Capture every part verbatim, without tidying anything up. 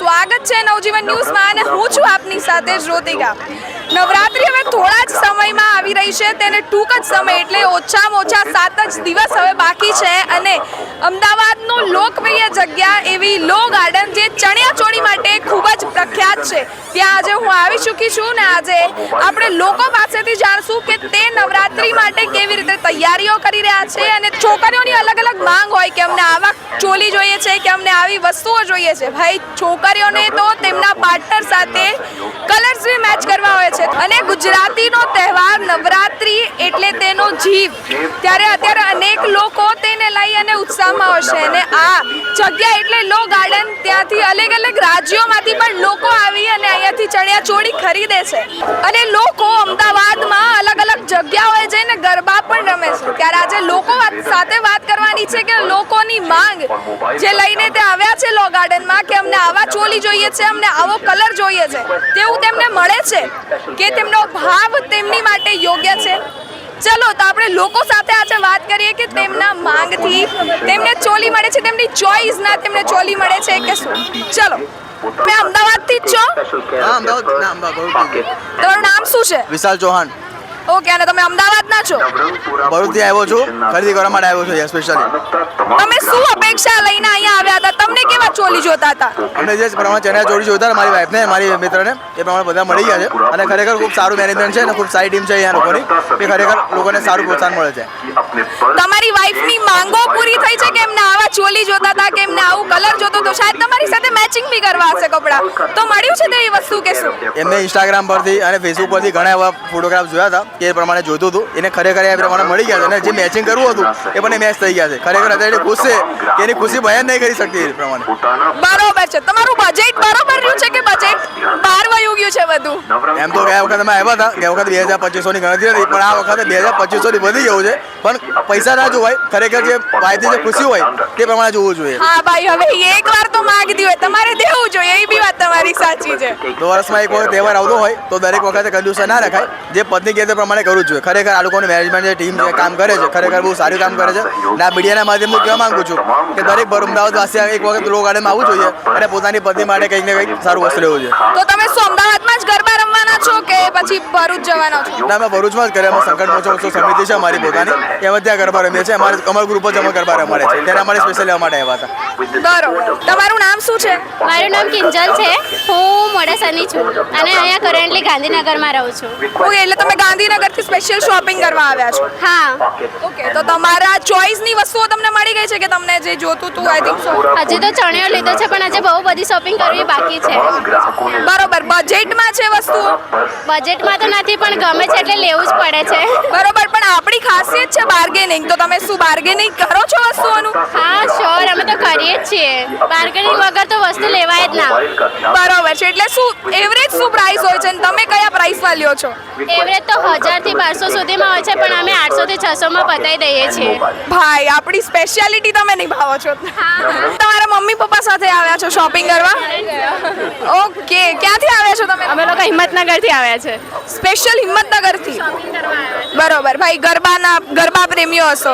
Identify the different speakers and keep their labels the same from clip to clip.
Speaker 1: સ્વાગત છે નવજીવન ન્યૂઝમાં અને હું છું આપની સાથે જ્યોતિકા। નવરાત્રી હવે થોડા જ સમયમાં આવી રહી છે, તેને ટૂંક જ સમય એટલે ઓછામાં ઓછા સાત જ દિવસ હવે બાકી છે અને અમદાવાદનું લોકપ્રિય જગ્યા એવી લો ગાર્ડન જે ચણિયાચોળી માટે ખૂબ જ પ્રખ્યાત છે, ત્યાં આજે હું આવી ચૂકી છું ને આજે આપણે લોકો પાસેથી જાણશું કે તે નવરાત્રી માટે કેવી રીતે તૈયારીઓ કરી રહ્યા છે અને છોકરીઓની અલગ અલગ માંગ હોય કે અમને આવા ચોલી જોઈએ છે કે અમને આવી વસ્તુઓ જોઈએ છે। ભાઈ છોકરીઓને તો તેમના પાર્ટનર સાથે કલર્સ બી મેચ કરવા હોય છે અને ગુજરાતીનો તહેવાર નવરાત્રી એટલે તેનો જીવ, ત્યારે અત્યારે અનેક લોકો તેને લઈ અને ઉત્સાહમાં હશે અને આ જગ્યા એટલે લો ગાર્ડન, ત્યાંથી અલગ અલગ રાજ્યોમાંથી પણ લોકો આવી અને અહીંયાથી ચણિયાચોળી ખરીદે છે અને લોકો અમદાવાદમાં અલગ અલગ જગ્યાઓએ જઈને ગરબા પણ રમે છે। ત્યારે આજે લોકો સાથે વાત કરવાની છે કે લોકોની માંગ જે લઈને તે આવ્યા છે લો ગાર્ડનમાં કે અમને આવા ચોલી જોઈએ છે, અમને આવો કલર જોઈએ છે, તેવું તેમને મળે છે કે તેમનો ભાવ તેમની માટે યોગ્ય છે। ચલો તો આપણે લોકો સાથે આજે વાત કરીએ કે તેમના માંગથી તેમને ચોલી મળે છે, તેમની ચોઈસ ના તેમને ચોલી મળે છે કે શું। ચલો, તમે અમદાવાદથી જ છો?
Speaker 2: હા, અમદાવાદ ના અમદાવાદ।
Speaker 1: તમારું નામ શું છે?
Speaker 2: વિશાલ ચૌહાણ।
Speaker 1: ઓકે, અને તમે અમદાવાદના છો?
Speaker 2: ભરૂચથી આવ્યો છું, ખરીદી કરવા માટે આવ્યો છું સ્પેશિયલી।
Speaker 1: તમે શું અપેક્ષા લઈને અહીંયા આવ્યા હતા? તમને કેવા ચોલી જોતા હતા?
Speaker 2: અમને જે પ્રમાણે ચણિયાચોળી જોઈતા મારી વાઈફને મારી મિત્રને એ પ્રમાણે બધા મળી ગયા છે અને ખરેખર ખૂબ સારું મેનેજમેન્ટ છે અને ખૂબ સારી ટીમ છે અહીંયા લોકોની, કે ખરેખર લોકોને સારું પ્રોત્સાહન મળે છે।
Speaker 1: તમારી વાઈફની માંગો પૂરી થઈ છે કે એમને આવા ચોલી જોતા હતા કે એમને આવું કલર જોતો તો શાયદ તમારી સાથે મેચિંગ બી કરવા હશે કપડાં, તો મળ્યું છે તેવી વસ્તુ કે શું?
Speaker 2: એમને ઇન્સ્ટાગ્રામ પરથી અને ફેસબુક પરથી ઘણા એવા ફોટોગ્રાફ જોયા હતા કે એ પ્રમાણે જોઈતું હતું, એને ખરેખર એ પ્રમાણે મળી ગયા છે અને જે મેચિંગ કરવું હતું એ પણ એ મેચ થઈ ગયા છે। ખરેખર અત્યારે ખુશ છે કે એની ખુશી બયાન નહીં કરી શકતી એ પ્રમાણે।
Speaker 1: બરોબર છે, તમારું બજેટ બરોબર રહ્યું છે કે બજેટ બહાર વયું ગયું છે બધું?
Speaker 2: એમ તો ગયા વખત અમે આવ્યા હતા, ગયા વખત બે હજાર પચીસો ની ગણતરી હતી, પણ આ વખતે બે હજાર પચીસો ની વધી ગયું છે, પણ પૈસા ના જોવાય, ખરેખર જે વાયદી જે ખુશી હોય તે પ્રમાણે જોવું જોઈએ।
Speaker 1: હા ભાઈ, હવે એક વાર તો માંગતી હોય તમારે દેવું જોઈએ, એ બી વાત તમારી સાચી છે।
Speaker 2: તો વર્ષમાં એક વખત તહેવાર આવતો હોય તો દરેક વખતે કંજૂસી ના રખાય, જે પત્ની કહે તે પ્રમાણે કરવું જ જોઈએ। ખરેખર આ લોકોની મેનેજમેન્ટ જે ટીમ જે કામ કરે છે ખરેખર બહુ સારું કામ કરે છે અને આ મીડિયાના માધ્યમથી કહેવા માંગુ છું કે દરેક અમદાવાદવાસી એક વખત લો ગાર્ડનમાં આવવું જોઈએ અને પોતાની પત્ની માટે કંઈક ને કંઈક સારું વસ્તુ લેવું જોઈએ।
Speaker 1: તો તમે શું અમદાવાદમાં જ ગરબા રમવાના છો કે પછી ભરૂચ જવાના છો?
Speaker 2: ના, અમે ભરૂચમાં જ કરીએ, અમે સંકટ મોચો ઉત્સવ સમિતિ છે અમારી પોતાની, એમાં ત્યાં ગરબા રમીએ છીએ, અમારે કમળ ગ્રુપ જ અમે ગરબા રમાડે છે, ત્યારે અમારે સ્પેશિયલી લેવા માટે આવ્યા હતા।
Speaker 1: બરોબર, તમારું નામ શું છે?
Speaker 3: મારું નામ કિંજલ છે, હું મોડાસાની છું અને અહીંયા કરન્ટલી ગાંધીનગરમાં રહું છું।
Speaker 1: ઓકે, એટલે તમે ગાંધીનગરથી સ્પેશિયલ શોપિંગ કરવા આવ્યા છો?
Speaker 3: હા।
Speaker 1: ઓકે, તો તમારા ચોઈસની વસ્તુઓ તમને મળી ગઈ છે કે તમને જે જોતું હતું? આઈ થિંક સો
Speaker 3: હજી તો ચણિયો લીધો છે પણ આજે બહુ બધી શોપિંગ કરવી બાકી છે।
Speaker 1: બરોબર, બજેટમાં છે વસ્તુઓ?
Speaker 3: બજેટમાં તો નથી પણ ગમે છે એટલે લેવું જ પડે છે।
Speaker 1: બરોબર, પણ આપણી ખાસિયત છે બાર્ગેનિંગ, તો તમે શું બાર્ગેનિંગ કરો છો વસ્તુઓનું?
Speaker 3: હા શ્યોર, અમે તો કરીએ જ છીએ, બાર્ગેનિંગ વગર તો વસ્તુ લેવાય જ ના।
Speaker 1: બરોબર છે, એટલે શું એવરેજ શું પ્રાઇસ હોય છે અને તમે કયા પ્રાઇસમાં લ્યો છો?
Speaker 3: એવરેજ તો હજાર થી બારસો સુધીમાં હોય છે પણ અમે આઠસો થી છસો માં પતાવી દઈએ છીએ।
Speaker 1: ભાઈ, આપણી સ્પેશિયાલિટી તમે નિભાવો છો। તમારા મમ્મી પપ્પા સાથે આવ્યા છો શોપિંગ કરવા? ઓકે, ક્યાંથી આવ્યા છો તમે?
Speaker 3: અમે લોકો હિંમતનગરથી આવ્યા છે,
Speaker 1: સ્પેશિયલ હિંમતનગરથી? બરોબર, ભાઈ ગરબાના ગરબા પ્રેમીઓ હશો,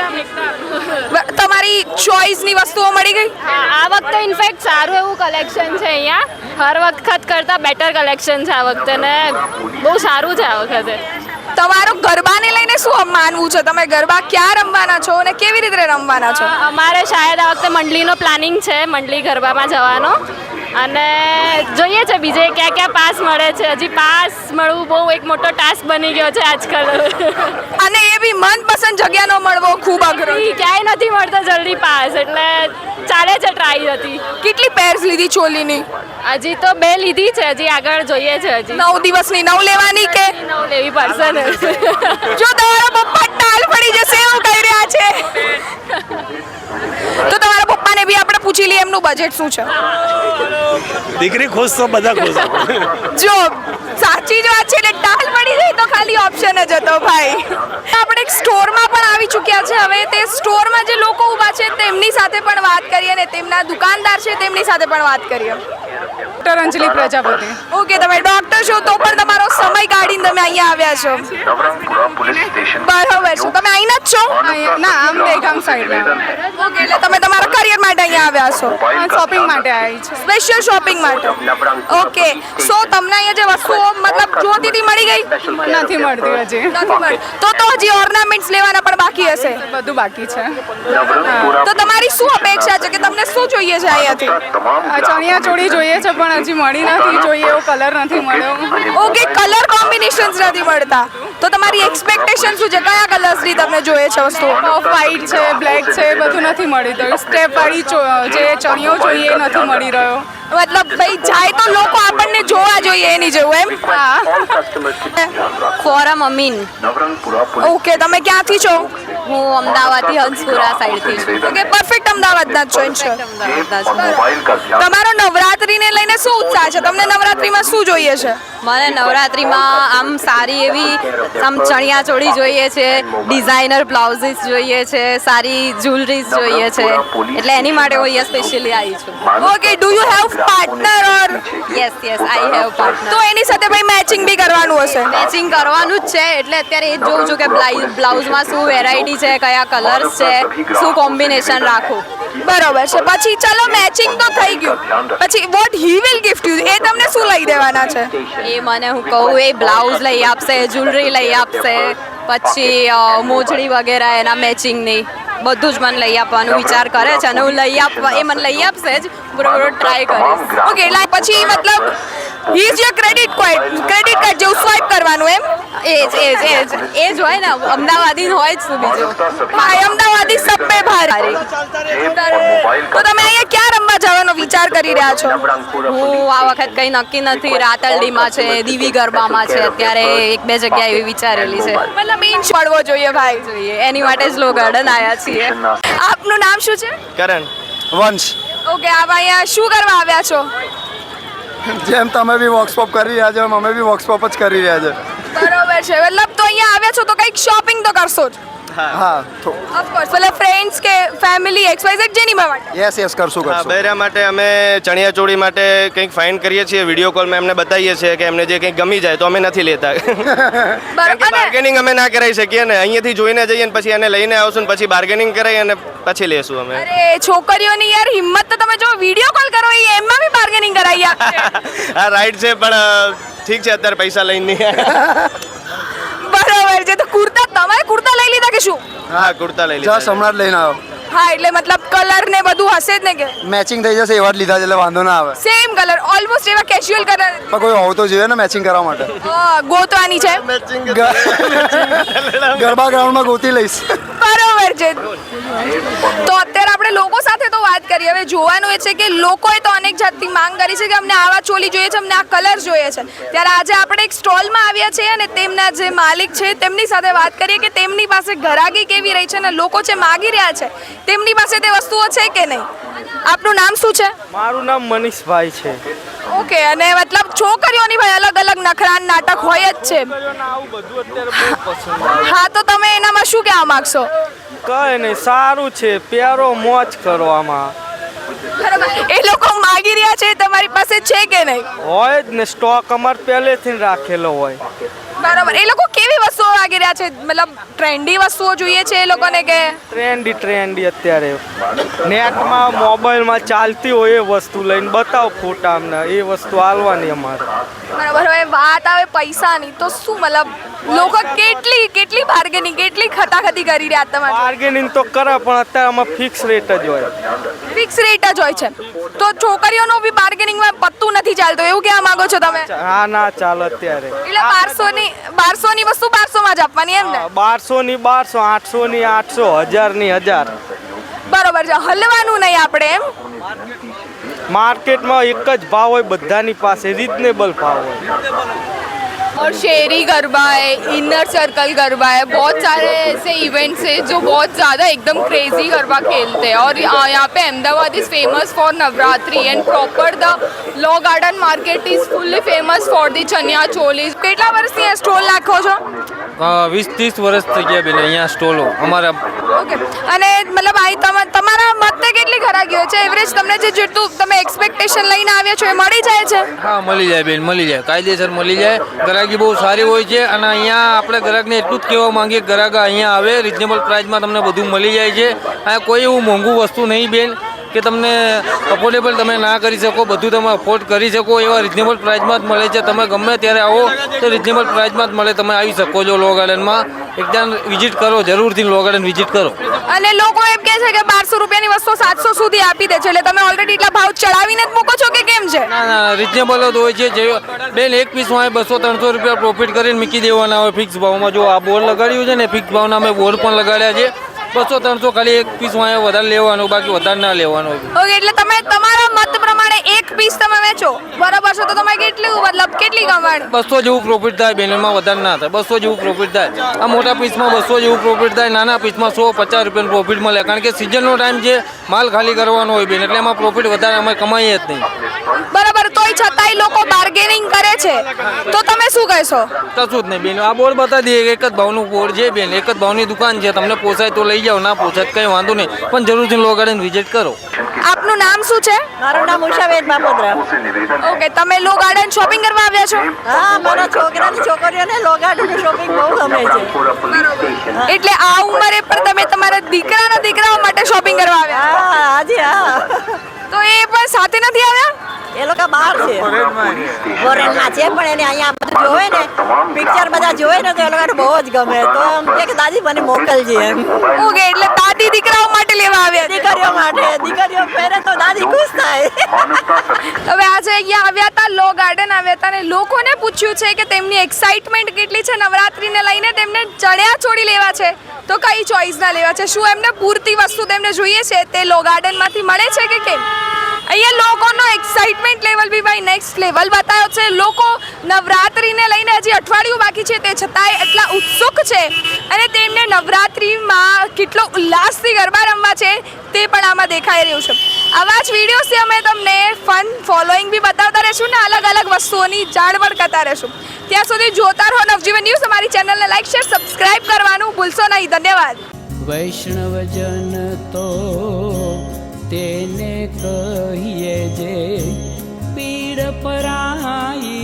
Speaker 1: તમારી ચોઈસની વસ્તુઓ મળી ગઈ?
Speaker 3: હા, આ વખતે ઇનફેક્ટ સારું એવું કલેક્શન છે અહીંયા, હર વખત કરતાં બેટર કલેક્શન છે આ વખતે ને બહુ સારું છે આ વખતે।
Speaker 1: તમારું ગરબાને લઈને શું માનવું છે? તમે ગરબા ક્યાં રમવાના છો અને કેવી રીતે રમવાના છો?
Speaker 3: અમારે શાયદ આ વખતે મંડલીનો પ્લાનિંગ છે, મંડલી ગરબામાં જવાનો, અને જોઈએ છે બીજે ક્યાં ક્યાં પાસ મળે છે। હજી પાસ મળવું બહુ એક મોટો ટાસ્ક બની ગયો છે આજકાલ,
Speaker 1: અને એ બી મનપસંદ જગ્યાનો મળવો ખૂબ અઘરો,
Speaker 3: ક્યાંય નથી મળતો જલ્દી પાસ, એટલે ચાલે છે, ટ્રાય હતી।
Speaker 1: કેટલી પેર્સ લીધી ચોલીની?
Speaker 3: હજી તો બે લીધી છે, હજી આગળ જોઈએ છે। હજી
Speaker 1: નવ દિવસની નવ લેવાની કે
Speaker 3: નવ લેવી પડશે ને?
Speaker 1: જો તમારા પપ્પા ટાલ પડી જશે એવું કહી રહ્યા છે, તો તમારા પપ્પાને બી આપણે પૂછી લઈએ એમનું બજેટ શું છે।
Speaker 4: દીકરી ખુશ તો બધા ખુશ।
Speaker 1: જો સાચી જ વાત છે, એટલે ટાલ પડી જાય તો ખાલી ઓપ્શન જ હતો ભાઈ। આપણે એક સ્ટોરમાં પણ આવી ચૂક્યા છે, હવે તે સ્ટોરમાં જે લોકો ઊભા છે તેમની સાથે પણ વાત કરીએ અને તેમના દુકાનદાર છે તેમની સાથે પણ વાત કરીએ।
Speaker 5: ડોક્ટર અંજલિ પ્રજાપતિ।
Speaker 1: ઓકે, તમે ડોક્ટર છો તો પણ તમારો સમય કાઢીને તમે અહીંયા આવ્યા છો? બરોબર છે, તમે અહીંના જ છો?
Speaker 5: ના, આમ દેગામ સાઈડ।
Speaker 1: ઓકે, એટલે તમે તમારા કરિયર માટે અહીંયા આવ્યા આવ્યા છો
Speaker 5: શોપિંગ માટે આવી છે.
Speaker 1: સ્પેશિયલ શોપિંગ માટે ઓકે સો તમને અહીંયા જે વસ્તુઓ મતલબ જોતીથી મળી ગઈ
Speaker 5: નથી મળતી હજી.
Speaker 1: નથી મળી તો તો હજી ઓર્નામેન્ટ્સ લેવાના પણ બાકી હશે
Speaker 5: બધું બાકી છે.
Speaker 1: તો તમારી શું અપેક્ષા છે કે તમને શું જોઈએ છે અહીંયાથી
Speaker 5: આ ચણિયા ચોળી જોઈએ છે પણ હજી મળી નથી. જોઈએ એવો કલર નથી મળ્યો.
Speaker 1: ઓકે કલર કોમ્બિનેશન્સ નથી મળતા તો તમારી એક્સપેક્ટેશન શું છે કયા કલર્સની તમને જોઈએ છે વસ્તુઓ
Speaker 5: ઓફ વ્હાઈટ છે, બ્લેક છે, એ બધું નથી મળી રહ્યું. સ્ટેપ વાળી ચો- જે ચણિયો જોઈએ એ નથી મળી રહ્યો.
Speaker 1: મતલબ ભાઈ જાય તો લોકો આપણને જોવા જોઈએ એની જેવું એમ
Speaker 5: હા.
Speaker 3: ફોરમ અમીન
Speaker 1: ઓકે તમે ક્યાંથી છો
Speaker 3: હું અમદાવાદથી હંસપુરા સાઈડથી છું
Speaker 1: ઓકે પરફેક્ટ અમદાવાદના જ છો ઇન્શ્યોર
Speaker 3: અમદાવાદના છું.
Speaker 1: તમારો નવરાત્રીને લઈને શું ઉત્સાહ છે તમને નવરાત્રીમાં શું જોઈએ છે
Speaker 3: મને નવરાત્રિમાં આમ સારી એવી આમ ચણિયા ચોળી જોઈએ છે, ડિઝાઇનર બ્લાઉઝીસ જોઈએ છે, સારી જ્વેલરીઝ જોઈએ છે, એટલે એની માટે હું અહીંયા સ્પેશિયલી આવી છું.
Speaker 1: Okay do you have partner or
Speaker 3: yes yes I have partner.
Speaker 1: તો એની સાથે ભાઈ મેચિંગ બી કરવાનું હશે
Speaker 3: મેચિંગ કરવાનું જ છે એટલે અત્યારે એ જ જોઉં છું કે બ્લાઉ- બ્લાઉઝમાં શું વેરાયટી છે, કયા કલર્સ છે, શું કોમ્બિનેશન રાખું.
Speaker 1: બરોબર છે પછી ચલો મેચિંગ તો થઈ ગયું પછી what he will gift you એ તમને શું લઈ દેવાના છે
Speaker 3: એ મને હું કહું એ બ્લાઉઝ લઈ આપશે, જ્વેલરી લઈ આપશે, પછી અ, મોજડી વગેરે એના મેચિંગની બધું જ મને લઈ આપવાનું વિચાર કરે છે અને હું લઈ આપવા એ મને લઈ આપશે જ બરોબર ટ્રાય કરીશ.
Speaker 1: ઓકે એટલે પછી મતલબ he is your credit card credit card જેવું સ્વાઇપ કરવાનું એમ
Speaker 3: એ જ એ જ એ જ એ જ હોય ને અમદાવાદી હોય જ શું બીજું.
Speaker 1: ભાઈ અમદાવાદી સબ પે ભારી તો તમે અહીંયા ક્યાં રમવા જવાનો વિચાર કરી રહ્યા છો
Speaker 3: હું આ વખત કંઈ નક્કી નથી. રાતરડીમાં છે, દીવી ગરબામાં છે, અત્યારે એક બે જગ્યા એવી વિચારેલી છે.
Speaker 1: મતલબ ઇન્ચ પડવો જોઈએ ભાઈ
Speaker 3: જોઈએ એની માટે જ લો ગાર્ડન આવ્યા છીએ.
Speaker 1: આપનું નામ શું છે
Speaker 6: કરણ વંશ
Speaker 1: ઓકે આપ અહીંયા શું કરવા આવ્યા છો
Speaker 6: જેમ તમે બી વર્કશોપ કરી રહ્યા છો એમ અમે બી વર્કશોપ જ કરી રહ્યા છે.
Speaker 1: બરોબર છે મતલબ તો અહીંયા આવ્યા છો તો કંઈક શોપિંગ તો કરશો જ
Speaker 6: હા તો
Speaker 1: ઓફકોર્સ મતલબ ફ્રેન્ડ્સ કે ફેમિલી એક્સ વાય ઝેડ જેની માટે
Speaker 6: યસ યસ કરશું
Speaker 7: હા
Speaker 6: કરશું
Speaker 7: બૈરા માટે અમે ચણિયા ચોળી માટે કંઈક ફાઇન કરીએ છીએ વિડીયો કોલમાં એમને બતાવીએ છીએ કે એમને જે કંઈક ગમી જાય તો અમે નથી લેતા
Speaker 1: બરોબર અને
Speaker 7: બાર્ગેનિંગ અમે ના કરાવી શકીએ ને અહીંયાથી જોઈને જઈએ ને પછી એને લઈને આવશું ને પછી બાર્ગેનિંગ કરાવી અને પછી લેશું અમે
Speaker 1: અરે છોકરીઓની યાર હિંમત તો તમે જો વિડીયો કોલ કરો એ એમાં બી બાર્ગેનિંગ કરાવી આપશે
Speaker 7: હા રાઈટ છે પણ અ, ઠીક છે અત્યારે પૈસા લઈને નહીં આવ્યા.
Speaker 1: બરોબર છે તો કુર્તા તમે કુર્તા લઈ લીધા કે શું
Speaker 7: હા કુર્તા લઈ
Speaker 6: જસ્ટ
Speaker 7: લીધા
Speaker 6: હમણાં જ લઈને આવ્યો.
Speaker 1: હા એટલે મતલબ કલર ને બધું હશે જ ને કે
Speaker 6: મેચિંગ થઈ જશે એવા જ લીધા છે એટલે વાંધો ના આવે.
Speaker 1: સેમ કલર ઓલમોસ્ટ એવા કેઝ્યુઅલ કલર
Speaker 6: પણ કોઈ હોવું તો જોઈએ ને મેચિંગ કરવા માટે.
Speaker 1: ગોતવાની છે
Speaker 6: ગ- ગરબા ગ્રાઉન્ડમાં ગોતી લઈશ.
Speaker 1: બરોબર છે તો અત્યારે આપણે લોકો સાથે તો વાત કરીએ હવે જોવાનું એ છે કે લોકોએ તો અનેક જાતની માંગ કરી છે કે અમને આવા ચોલી જોઈએ છે અમને આ કલર જોઈએ છે ત્યારે આજે આપણે એક સ્ટોલમાં આવ્યા છીએ અને તેમના જે માલિક છે તેમની સાથે વાત કરીએ કે તેમની પાસે ઘરાગી કેવી રહી છે અને લોકો જે માગી રહ્યા છે તેમની પાસે તે વસ્તુઓ છે કે નહીં આપનું નામ શું છે
Speaker 8: મારું નામ મનીષભાઈ છે.
Speaker 1: ઓકે અને મતલબ છોકરીઓની ભાઈ અલગ અલગ નખરાન નાટક હોય જ છે
Speaker 8: આવું બધું અત્યારે બહુ પસંદ આવે.
Speaker 1: હા તો તમે એનામાં શું કહેવા માંગશો
Speaker 8: કઈ નહીં સારું છે પ્યારો મોજ કરવામાં
Speaker 1: બરાબર એ લોકો માગી રહ્યા છે તમારી પાસે છે કે નહીં
Speaker 8: હોય જ ને સ્ટોક અમાર પહેલેથી જ રાખેલો હોય.
Speaker 1: બરાબર એ લોકો કેવી વસ્તુઓ માગી રહ્યા છે મતલબ ટ્રેન્ડી વસ્તુઓ જોઈએ છે એ લોકોને કે
Speaker 8: ટ્રેન્ડી ટ્રેન્ડી અત્યારે નેટમાં મોબાઈલમાં ચાલતી હોય એ વસ્તુ લઈને બતાવો ફોટા અમને એ વસ્તુ આલવાની અમારે.
Speaker 1: બરાબર હવે વાત આવે પૈસાની તો શું મતલબ લોકો કેટલી કેટલી બાર્ગેનિંગ કેટલી ખતાખતી કરી રહ્યા તમારે
Speaker 8: બાર્ગેનિંગ તો કરે પણ અત્યારે આમાં ફિક્સ રેટ જ હોય.
Speaker 1: ફિક્સ રેટ જ હોય છે તો છોકરીઓનો બી બાર્ગેનિંગમાં પત્તું નથી ચાલતું એવું કહેવા માંગો છો તમે
Speaker 8: હા ના ચાલે અત્યારે
Speaker 1: એટલે બારસો ની બારસો ની વસ્તુ બારસો માં જ આપવાની એમ ને
Speaker 8: બારસો ની બારસો આઠસો ની આઠસો હજાર ની હજાર.
Speaker 1: બરોબર છે હલવાનું નહીં આપણે એમ
Speaker 8: मार्केट में एक ज भाव हो बधानी पास रीजनेबल भाव हो
Speaker 5: और शेरी गरबा है, इनर सर्कल गरबा है, बहुत सारे ऐसे इवेंट्स हैं जो बहुत ज़्यादा एकदम क्रेजी गरबा खेलते हैं और यहाँ पे Ahmedabad is famous for Navratri and proper the law garden market is fully famous for the chaniya choli.
Speaker 1: કેટલા વર્ષથી આ સ્ટોલ નાખો છો
Speaker 9: વીસ ત્રીસ વર્ષ થઈ ગયા બેન અહીંયા સ્ટોલો અમારા.
Speaker 1: ઓકે અને મતલબ આ તમા- તમારા મતે કેટલી ખરાગી હોય છે એવરેજ તમને જે જેટલું તમે એક્સપેક્ટેશન લઈને આવ્યા છો એ મળી જાય છે
Speaker 9: હા મળી જાય બેન મળી જાય કાયદેસર મળી જાય. ગ્રાહકી બહુ સારી હોય છે અને અહીંયા આપણે ગ્રાહકને એટલું જ કહેવા માંગીએ ગ્રાહક અહીંયા આવે રિઝનેબલ પ્રાઇસમાં તમને બધું મળી જાય છે. અહીંયા કોઈ એવું મોંઘું વસ્તુ નહીં બેન કે તમને અફોર્ડેબલ તમે ના કરી શકો, બધું તમે અફોર્ડ કરી શકો એવા રિઝનેબલ પ્રાઇસમાં જ મળે છે. તમે ગમે ત્યારે આવો તો રિઝનેબલ પ્રાઇસમાં જ મળે. તમે આવી શકો છો લો ગાર્ડનમાં. એકદમ વિઝિટ કરો, જરૂરથી લો ગાર્ડન વિઝિટ કરો.
Speaker 1: અને લોકો એમ કહે છે કે બારસો રૂપિયાની વસ્તુ સાતસો સુધી આપી દે છે, એટલે તમે ઓલરેડી એટલા ભાવ ચડાવીને જ મૂકો છો કે કેમ છે?
Speaker 9: ના ના રિઝનેબલ જ હોય છે. જે બેન એક પીસમાં બસો ત્રણસો રૂપિયા પ્રોફિટ કરીને મૂકી દેવાના હોય ફિક્સ ભાવમાં. જો આ બોર્ડ લગાડ્યું છે ને ફિક્સ ભાવના અમે બોર્ડ પણ લગાડ્યા છે. બસો ત્રણસો ખાલી એક પીસમાં વધારે લેવાનું, બાકી વધારે ના લેવાનું.
Speaker 1: ઓકે, એટલે તમે તમારા મત પ્રમાણે એક પીસ તમે વેચો, બરાબર છે? તો તમે કેટલું મતલબ કેટલી કમાણી?
Speaker 9: બસો જેવું પ્રોફિટ થાય બેન, એમાં વધારે ના થાય. બસો જેવું પ્રોફિટ થાય. આ મોટા પીસમાં બસો જેવું પ્રોફિટ થાય, નાના પીસમાં સો પચાસ રૂપિયાનું પ્રોફિટ મળે. કારણ કે સિઝનનો ટાઈમ છે, માલ ખાલી કરવાનો હોય બેન, એટલે એમાં પ્રોફિટ વધારે અમે કમાઈએ જ નહીં.
Speaker 1: બરાબર, તોય છતાંય લોકો બાર્ગેનિંગ કરે છે, તો તમે શું કહેશો?
Speaker 9: કશું જ નહીં બેન. આ બોર્ડ બતાવી દઈએ કે એક જ ભાવનું બોર્ડ છે બેન, એક જ ભાવની દુકાન છે. તમને પોસાય તો લઈ જાઓ, ના પોસાય કંઈ વાંધો નહીં, પણ જરૂરથી લો ગાર્ડન વિઝિટ કરો.
Speaker 1: આપનું નામ શું છે?
Speaker 3: મારું નામ ઉષાબેન બાપોદરા.
Speaker 1: ઓકે, તમે લો ગાર્ડન શોપિંગ કરવા આવ્યા છો?
Speaker 3: હા, મારા છોકરાની છોકરીઓને લો ગાર્ડનનું શોપિંગ બહુ ગમે છે.
Speaker 1: એટલે આ ઉંમરે પણ તમે તમારા દીકરાના દીકરાઓ માટે શોપિંગ કરવા આવ્યા?
Speaker 3: હા, હાજી હા.
Speaker 1: તો એ પણ સાથે નથી આવ્યા?
Speaker 3: એ લોકો બહાર છે, ફોરેનમાં છે, પણ એને અહીંયા બધું જોવે ને, પિક્ચર બધા જોવે ને, તો એ લોકોને બહુ જ ગમે. તો એમ કે દાદી મને મોકલજે એમ.
Speaker 1: ઓકે, એટલે દાદી દીકરાઓ માટે લેવા આવ્યા છે.
Speaker 3: દીકરીઓ માટે, દીકરીઓ પહેરે તો દાદી ખુશ થાય.
Speaker 1: હવે આજે અહીંયા આવ્યા હતા, લો ગાર્ડન આવ્યા હતા, અને લોકોને પૂછ્યું છે કે તેમની એક્સાઇટમેન્ટ કેટલી છે નવરાત્રીને લઈને. તેમને ચણિયા ચોળી લેવા છે તો કઈ ચોઈસના લેવા છે? શું એમને પૂરતી વસ્તુ તેમને જોઈએ છે તે લો ગાર્ડનમાંથી મળે છે કે કેમ? અહીંયા લોકોનો એક્સાઇટમેન્ટ લેવલ બી ભાઈ નેક્સ્ટ લેવલ બતાવ્યો છે. લોકો નવરાત્રીને લઈને હજી અઠવાડિયું બાકી છે, તે છતાંય એટલા ઉત્સુક છે, અને તેમને નવરાત્રીમાં કેટલો ઉલ્લાસથી ગરબા રમવા છે તે પણ આમાં દેખાઈ રહ્યું છે. આવા જ વિડીયોઝથી અમે તમને ફન ફોલોઈંગ બી બતાવતા રહીશું ને અલગ અલગ વસ્તુઓની જાણ પણ કરતા રહીશું. ત્યાં સુધી જોતા રહો નવજીવન ન્યૂઝ. અમારી ચેનલને લાઈક શેર સબસ્ક્રાઇબ કરવાનું ભૂલશો નહીં. ધન્યવાદ.
Speaker 10: વૈષ્ણવજન તો તેને કહીએ જે પીડ પરાઈ.